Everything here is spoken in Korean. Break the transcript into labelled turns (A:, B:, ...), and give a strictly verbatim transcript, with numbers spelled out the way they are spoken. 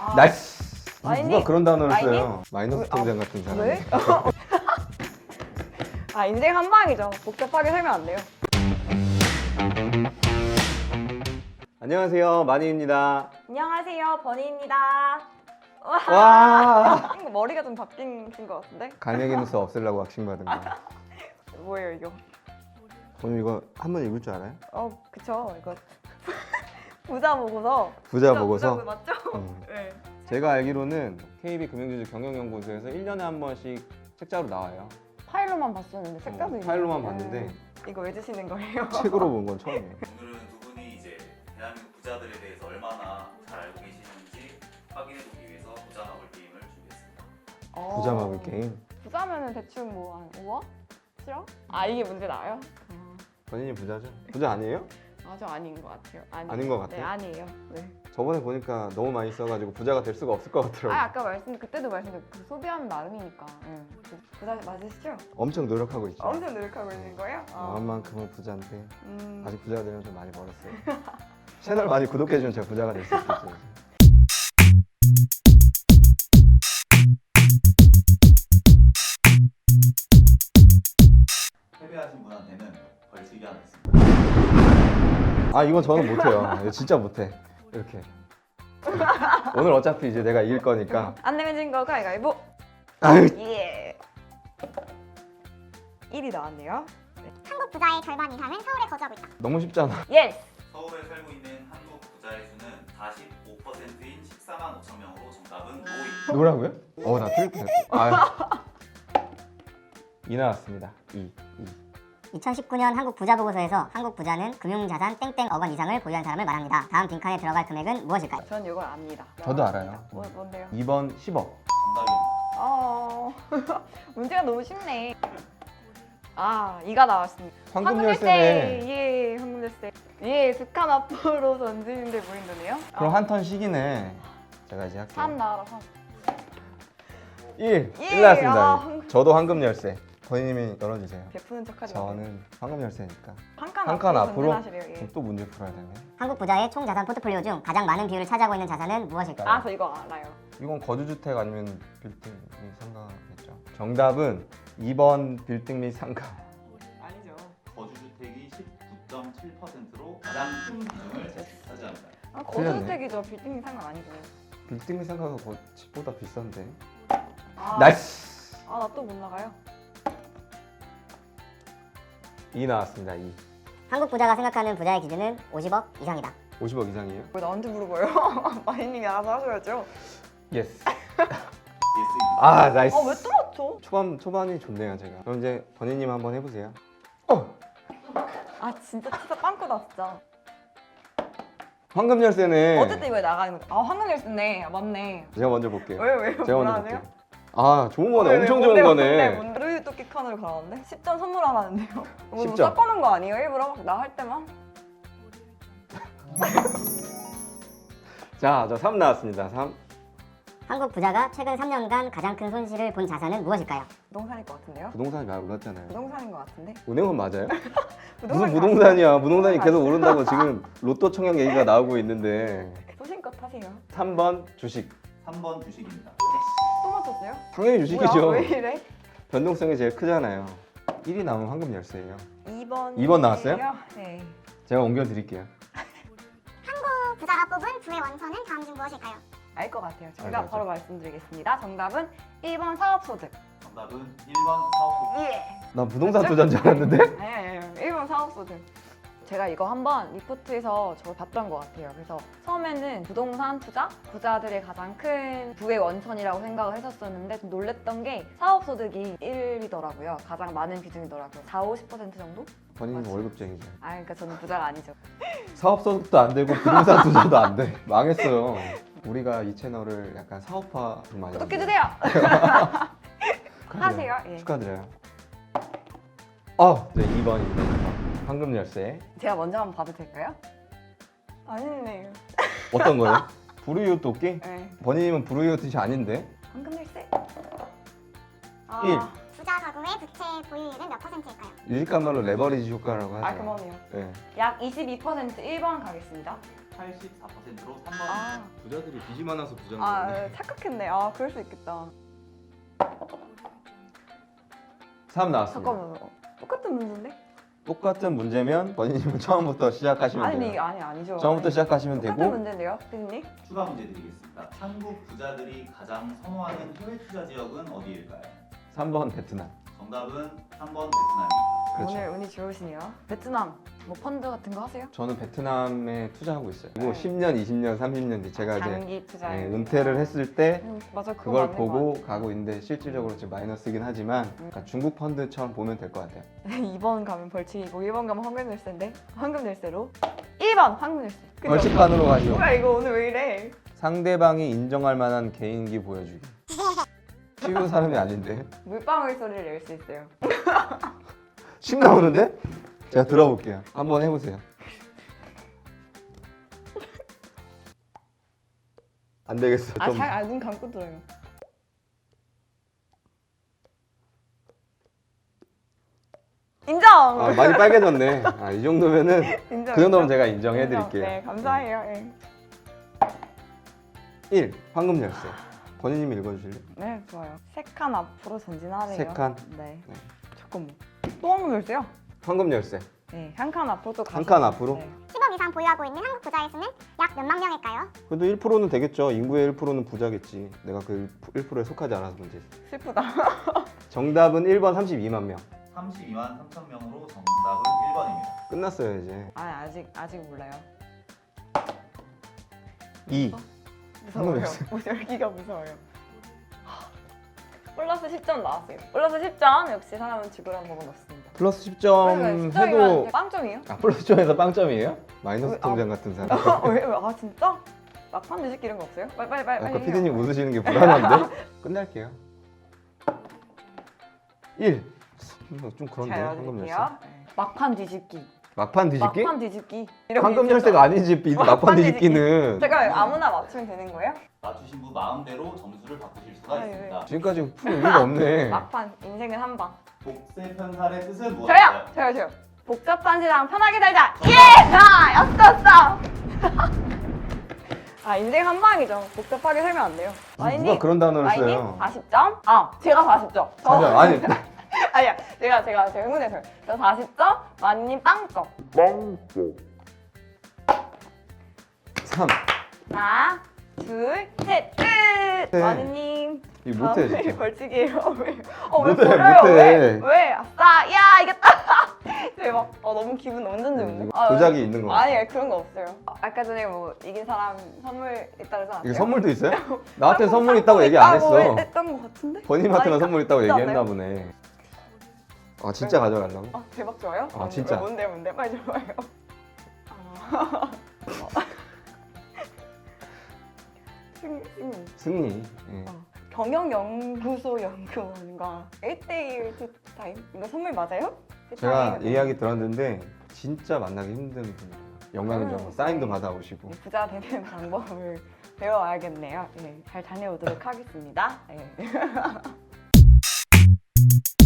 A: 아,
B: 나이스.
A: 마이님?
B: 누가 그런 단어를
A: 마이님?
B: 써요? 마이너스
A: 아,
B: 통장 같은 사람.
A: 왜? 아 인생 한 방이죠. 복잡하게 살면 안 돼요.
B: 안녕하세요, 마니입니다.
A: 안녕하세요, 버니입니다.
B: 와.
A: 이거 머리가 좀 바뀐 것 같은데?
B: 갈매기 눈썹 없애려고 왁싱 받은 거.
A: 뭐예요 이거?
B: 오늘 이거 한번 읽을 줄 알아요?
A: 어 그쵸 이거 부자 보고서.
B: 부자 보고서.
A: 부자 맞죠?
B: 음.
A: 네.
B: 제가 알기로는 케이비 금융지주 경영연구소에서 일 년에 한 번씩 책자로 나와요.
A: 파일로만 봤었는데 색깔도
B: 어,
A: 있네.
B: 파일로만 봤는데.
A: 네. 이거 왜 주시는 거예요?
B: 책으로 본 건 처음이에요.
C: 오늘은 두 분이 이제 대한민국 부자들에 대해서 얼마나 잘 알고 계시는지 확인해보기 위해서 부자 마블 게임을 준비했습니다.
A: 어.
B: 부자 마블 게임.
A: 부자면은 대충 뭐 한 오억? 칠억? 아 이게 문제 나요?
B: 본인이 부자죠? 부자 아니에요?
A: 아저 아닌 것 같아요. 아니,
B: 아닌 것 같아요?
A: 네 아니에요. 네.
B: 저번에 보니까 너무 많이 써가지고 부자가 될 수가 없을 것 같더라고요.
A: 아 아까 말씀 그때도 말씀드렸 그 소비하는 나름이니까. 응. 부자 맞으시죠?
B: 엄청 노력하고 있죠.
A: 엄청 노력하고 있는 거예요? 어.
B: 마음만큼은 부자인데
A: 음.
B: 아직 부자가 되려면 좀 많이 멀었어요. 채널 많이 구독해주면 제가 부자가 될 수 있겠죠.
C: 패배하신 분한테는 벌칙이 하나 있습니다.
B: 아 이건 저는 못해요. 이거 진짜 못해. 이렇게. 오늘 어차피 이제 내가 이길 거니까.
A: 안 내면 진 거 가위가위보.
B: 아유.
A: 예. 일이 나왔네요.
D: 한국 부자의 절반 이상은 서울에 거주하고 있다.
B: 너무 쉽잖아.
A: 예스.
C: 서울에 살고 있는 한국 부자의 수는 사십오 퍼센트인 십사만 오천 명으로 정답은 오입니다.
B: 뭐라고요? 어 나 틀릴 뻔했어. 아. 이 나왔습니다. 이. 이.
D: 이천십구 년 한국 부자 보고서에서 한국 부자는 금융자산 땡땡 억원 이상을 보유한 사람을 말합니다. 다음 빈칸에 들어갈 금액은 무엇일까요?
A: 전 이걸 압니다.
B: 저도 알아요.
A: 뭐, 뭔데요?
B: 이 번 십억.
C: 정답입니다.
A: 어 문제가 너무 쉽네. 아 이가 나왔습니다.
B: 황금 열쇠네.
A: 예, 황금 열쇠. 예, 북한 앞으로 던지는데 무인도네요.
B: 그럼 한 턴 식이네. 제가 이제 할게요.
A: 삼 나와라 삼.
B: 일.
A: 예,
B: 일 나왔습니다.
A: 아, 황금-
B: 저도 황금 열쇠. 본인님이 열어주세요.
A: 베푸는 척하지 마세요.
B: 저는 황금 열쇠니까.
A: 한칸
B: 한 칸 앞으로?
A: 던진하시래요. 예.
B: 그럼 또 문제 풀어야 되네.
D: 한국 부자의 총 자산 포트폴리오 중 가장 많은 비율을 차지하고 있는 자산은 무엇일까요?
A: 아, 저 이거 알아요.
B: 이건 거주주택 아니면 빌딩 및 상가겠죠. 정답은 이 번 빌딩 및 상가.
A: 아니죠.
C: 거주주택이 십구 점 칠 퍼센트로 가장 큰 비중을 차지합니다.
A: 아,
B: 틀렸네.
A: 거주주택이죠. 빌딩 상관 아니고.
B: 빌딩 및 상가가 거- 집보다 비싼데.
A: 아,
B: 나이스!
A: 아, 나 또 못 나가요.
B: 이 나왔습니다. 이.
D: 한국 부자가 생각하는 부자의 기준은 오십억 이상이다.
B: 오십억 이상이에요?
A: 왜 나한테 물어봐요? 마이님이 알아서 하셔야죠.
B: 예스.
C: 예스입니다.
B: 아 나이스.
A: 아, 왜 또 맞죠?
B: 초반 초반이 좋네요 제가. 그럼 이제 번희님 한번 해보세요. 어.
A: 아, 진짜 진짜 빵꾸다 진짜.
B: 황금 열쇠네.
A: 어쨌든 이거 나가는 거. 아, 황금 열쇠네. 아, 맞네.
B: 제가 먼저 볼게요.
A: 왜요, 왜요?
B: 제가
A: 뭐라
B: 먼저
A: 하세요?
B: 볼게요. 아 좋은 거네.
A: 왜, 왜,
B: 엄청
A: 뭔데,
B: 좋은
A: 뭔데,
B: 거네.
A: 뭔데? 루이 토끼 칸으로 가는데? 십 점 선물하라는데요? 뭐
B: 십 점.
A: 섞어놓은 거 아니에요? 일부러? 나 할 때만?
B: 자, 저 삼 나왔습니다. 삼.
D: 한국 부자가 최근 삼 년간 가장 큰 손실을 본 자산은 무엇일까요?
A: 부동산일 것 같은데요?
B: 부동산이 많이 올랐잖아요.
A: 부동산인 것 같은데?
B: 은행은 맞아요? 무슨
A: 부동산이
B: 부동산이야? 부동산이
A: 부동산
B: 계속
A: 맞지?
B: 오른다고 지금 로또 청약 얘기가 나오고 있는데.
A: 소신껏 하세요.
B: 삼 번 주식.
C: 삼 번 주식입니다.
A: 또 맞췄어요?
B: 당연히 주식이죠.
A: 뭐야? 왜 이래?
B: 변동성이 제일 크잖아요. 일이 나오면 황금 열쇠예요.
A: 이 번.
B: 이 번 나왔어요?
A: 네.
B: 제가 옮겨 드릴게요.
D: 부자가 뽑은 부의 원천은 다음 중 무엇일까요?
A: 알 것 같아요.
B: 알
A: 정답
B: 것 같아요.
A: 바로 말씀드리겠습니다. 정답은 일 번 사업소득.
C: 정답은 일 번 사업
A: 예.
B: 나 부동산 투자인 줄 알았는데?
A: 아니, 아니, 아니. 일 번 사업소득. 제가 이거 한번 리포트에서 저 봤던 것 같아요. 그래서 처음에는 부동산 투자? 부자들의 가장 큰 부의 원천이라고 생각을 했었었는데 좀 놀랬던 게 사업소득이 일이더라고요. 가장 많은 비중이더라고요. 사, 오십 퍼센트 정도?
B: 본인은
A: 맞지?
B: 월급쟁이죠.
A: 아, 그러니까 저는 부자가 아니죠.
B: 사업 소득도 안 되고 부동산 투자도 안 돼. 망했어요. 우리가 이 채널을 약간 사업화 좀 많이
A: 구독해주세요!
B: 축하드려요.
A: 하세요. 예.
B: 축하드려요. 어, 네, 이 번입니다. 황금 열쇠.
A: 제가 먼저 한번 봐도 될까요? 아니네요.
B: 어떤 거요? 부르이웃 돕기?
A: 네.
B: 본인님은 부르이웃 뜻이 아닌데?
A: 황금 열쇠.
B: 일.
A: 아,
D: 부자
E: 부자 가구의 부채 보유율은 몇 퍼센트일까요?
B: 유식감말로 레버리지 효과라고 하죠.
A: 아 그만해요.
B: 네.
A: 약 이십이 퍼센트 일 번 가겠습니다.
C: 팔십사 퍼센트로 삼 번.
A: 아,
B: 부자들이 빚이 많아서 부자인
A: 아 착각했네. 아 그럴 수 있겠다.
B: 삼 나왔습니다.
A: 잠깐만요. 똑같은 문제인데?
B: 똑같은 문제면 본인님은 처음부터 시작하시면
A: 아니
B: 돼요.
A: 아니 아니죠.
B: 처음부터
A: 아니,
B: 시작하시면
A: 똑같은
B: 되고
A: 문제인데요, 피디님?
C: 추가 문제 드리겠습니다. 한국 부자들이 가장 선호하는 해외 투자 지역은 어디일까요?
B: 삼 번 베트남.
C: 정답은 삼 번 베트남입니다.
B: 그렇죠.
A: 오늘 운이 좋으시네요. 베트남 뭐 펀드 같은 거 하세요?
B: 저는 베트남에 투자하고 있어요. 그리고
A: 네.
B: 십 년, 이십 년, 삼십 년 뒤 제가 이제
A: 장기 투자.
B: 네, 은퇴를 했을 때
A: 음, 맞아 그거
B: 그걸
A: 맞는 것
B: 보고 가고 있는데 실질적으로 지금 마이너스긴 하지만
A: 음.
B: 약간 중국 펀드처럼 보면 될 것 같아요.
A: 같아요. 이 번 가면 벌칙이고 일 번 가면 황금 열쇠인데 황금 열쇠로 일 번 황금 열쇠. 그죠?
B: 벌칙판으로 가시죠.
A: 뭐야 이거 오늘 왜 이래?
B: 상대방이 인정할 만한 개인기 보여주기. 쉬운 사람이 아닌데.
A: 물방울 소리를 낼 수 있어요.
B: 침 나오는데? 제가 들어볼게요. 한번 해보세요. 안 되겠어. 좀.
A: 아잘눈 감고 들어요. 인정.
B: 아, 많이 빨개졌네. 아, 이 정도면은
A: 인정.
B: 그 정도면
A: 인정.
B: 제가 인정해드릴게요.
A: 네 감사해요. 예.
B: 일. 황금 열쇠. 권희님이 읽어주실래요?
A: 네 좋아요. 세 칸 앞으로 전진하래요.
B: 세 칸?
A: 네.
B: 네.
A: 잠깐만. 또 황금 열쇠요?
B: 황금 열쇠.
A: 네, 한 칸 앞으로 또
B: 한 칸 앞으로?
A: 네.
E: 십억 이상 보유하고 있는 한국 부자의 수는 약 몇만 명일까요?
B: 그래도 일 퍼센트는 되겠죠. 인구의 일 퍼센트는 부자겠지. 내가 그 일 퍼센트에 속하지 않아서 문제지.
A: 슬프다.
B: 정답은 일 번 삼십이만 명.
C: 삼십이만 삼천 명으로 정답은 일 번입니다.
B: 끝났어요 이제.
A: 아 아직 아직 몰라요.
B: 이.
A: 무서워요.
B: 열쇠.
A: 뭐 열기가 무서워요. 플러스 십 점 나왔어요. 플러스 십 점 역시 사람은 죽으란 법은 없습니다.
B: 플러스 십 점 해도
A: 빵점이에요?
B: 아 플러스 점에서 빵점이에요? 마이너스
A: 왜, 아.
B: 통장 같은 사람.
A: 왜, 왜? 아 진짜? 막판 뒤집기 이런 거 없어요? 빨리 빨리 빨리
B: 아까
A: 빨리
B: 피디님 웃으시는 게 불안한데? 끝낼게요. 일. 좀 그런데
A: 잘
B: 황금 열쇠.
A: 알려드릴게요. 네. 막판 뒤집기.
B: 막판 뒤집기?
A: 막판 뒤집기. 이런
B: 황금
A: 게 있죠.
B: 열쇠가 아니지. 이 막판
A: 막판
B: 뒤집기는.
A: 제가 아무나 맞추면 되는 거예요?
C: 맞추신 분 마음대로 점수를 바꾸실 수가
A: 아니,
C: 있습니다.
B: 지금까지 풀 의미가 없네.
A: 막판 인생은 한 방.
C: 복세 편살의 뜻은
A: 저요!
C: 무엇일까요?
A: 저요 저요. 복잡한 세상 편하게 살자. 예! 아 였었어. 아 인생 한 방이죠. 복잡하게 살면 안 돼요.
B: 누가 그런 단어를
A: 마이님
B: 써요?
A: 사십 점. 아 제가 사십 점. 저
B: 맞아. 아니
A: 아니야 제가 제가 제가 흥분해서요. 저 사십 점. 마이님 빵점.
B: 삼.
A: 하나 둘 셋 끝.
B: 네.
A: 마이님.
B: 이거 못해
A: 다음에
B: 진짜.
A: 벌칙이에요. 왜? 어왜
B: 못해,
A: 버려요?
B: 못해.
A: 왜? 왜? 아싸! 야 이겼다! 대박. 어 너무 기분 완전 좋은데?
B: 이거
A: 아,
B: 조작이 있는 거
A: 아니 그런 거 없어요. 아, 아까 전에 뭐 이긴 사람 선물 있다 그러지 않았어요?
B: 이게 선물도 있어요? 나한테 선물 있다고 얘기 안 했어.
A: 했던 거 같은데?
B: 본인한테만
A: 아니,
B: 선물 있다고
A: 진짜
B: 얘기했나
A: 않나요?
B: 보네. 아 진짜 가져가려고?
A: 아 대박 좋아요?
B: 아, 진짜.
A: 뭔데 뭔데? 빨리 줘봐요. 아. 승, 승.
B: 승리. 예.
A: 어. 경영연구소 연구원과 일 대일 투타임? 이거 선물 맞아요?
B: 제가
A: 투타임.
B: 이야기 들었는데 진짜 만나기 힘든 분이에요. 영광인 줄 알고
A: 음,
B: 사인도
A: 네.
B: 받아오시고.
A: 부자 되는 방법을 배워야겠네요. 네, 잘 다녀오도록 하겠습니다. 네.